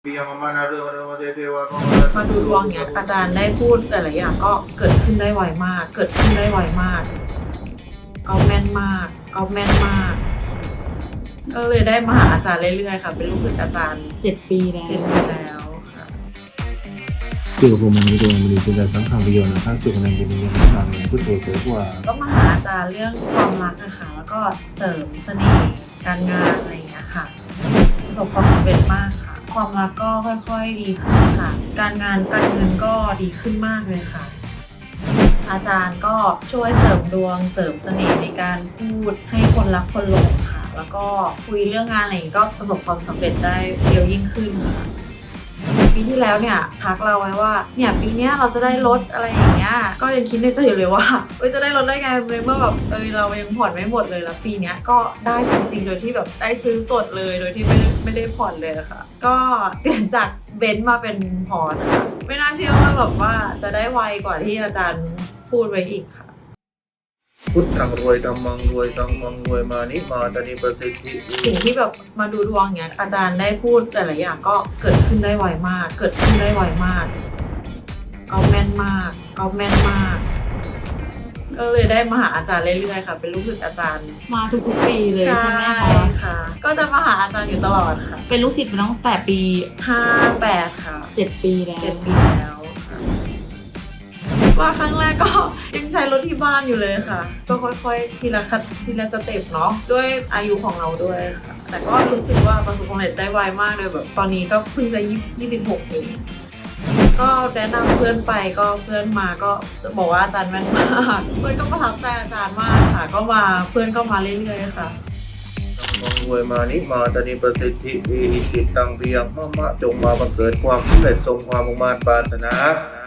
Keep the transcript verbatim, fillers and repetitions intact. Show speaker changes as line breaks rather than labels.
มาดูดวงเนี้ยอาจารย์ได้พูดหลายๆอย่างก็เกิดขึ้นได้ไวมาก เกิดขึ้นได้ไวมากก็แม่นมากก็แม่นมากก็เลยได้มาหาอาจารย์เรื่อยๆค่ะเป็นลูกศิษย์อาจารย์
เจ็ดปีแล้ว
เจ็ดปีแล้วค่ะ
เกี่ยวกับมันในตัวมันมีคุณสังขารประโยชน์นะครับสุขในจิตวิญญาณทางพุทโธเจอกว่า
ก็มาหาอาจารย์เรื่องความรักนะคะแล้วก็เสริมเสน่ห์การงานอะไรอย่างเงี้ยค่ะประสบความสำเร็จมากค่ะความรักก็ค่อยๆดีขึ้นค่ะการงานการเงินก็ดีขึ้นมากเลยค่ะอาจารย์ก็ช่วยเสริมดวงเสริมเสน่ห์ในการพูดให้คนรักคนหลงค่ะแล้วก็คุยเรื่องงานอะไรก็ประสบความสำเร็จได้เร็วยิ่งขึ้นค่ะปีที่แล้วเนี่ยทักเราไว้ว่าเนี่ยปีนี้เราจะได้ลดอะไรอย่างเงี้ยก็ยังคิดในใจอยู่เลยว่าเอ้ยจะได้ลดได้ไงเลยเมื่อแบบเออเรายังผ่อนไม่หมดเลยแล้วปีนี้ก็ได้จริงๆโดยที่แบบได้ซื้อสดเลยโดยที่ไม่ไม่ได้ผ่อนเลยค่ะก็เปลี่ยนจากเบนซ์มาเป็นพอร์ตค่ะไม่น่าเชื่อว่าแบบว่าจะได้ไวกว่าที่อาจารย์พูดไว้อีกค่ะ
พุทธังรวยธรรมังรวยสังฆังรวยมานิมาตานิประสิทธิ
สิ่งที่แบบมาดูดวงเนี้ยอาจารย์ได้พูดแต่ละอย่างก็เกิดขึ้นได้ไวมากเกิดขึ้นได้ไวมากก็แม่นมากก็แม่นมากก็เลยได้มาหาอาจารย์เรื่อยๆค่ะเป็นลูกศิษย์อาจารย์
มาทุกๆปีเลยใช่ไหมคะ
ใช่ค่ะก็จะมาหาอาจารย์อยู่ตลอดค่ะ
เป็นลูกศิษย์มาตั้งแต่ปี
ห้าแปดค่ะ
เจ็ดปีแล้ว
เจ็ดปีแล้วว่าครั้งแรกก็ยังใช้รถที่บ้านอยู่เลยค่ะก็ค่อยๆทีละขั้นทีละสเต็ปเนาะด้วยอายุของเราด้วยค่ะแต่ก็รู้สึกว่าประสบความสำเร็จได้ไวมากเลยแบบตอนนี้ก็เพิ่งจะยี่สิบหกเองก็แนะนำเพื่อนไปก็เพื่อนมาก็จะบอกว่าอาจารย์แม่นมากเพื่อนก็ประทับใจอาจารย์มากค่ะก็มาเพื่อนก็มาเรื่อยๆค่ะ
รวยมานิมาตานิประสิทธิอิหิจิตตังเพียงมะมะจงมาบังเกิดความสำเร็จทรงความมุ่งมั่นปรารถนา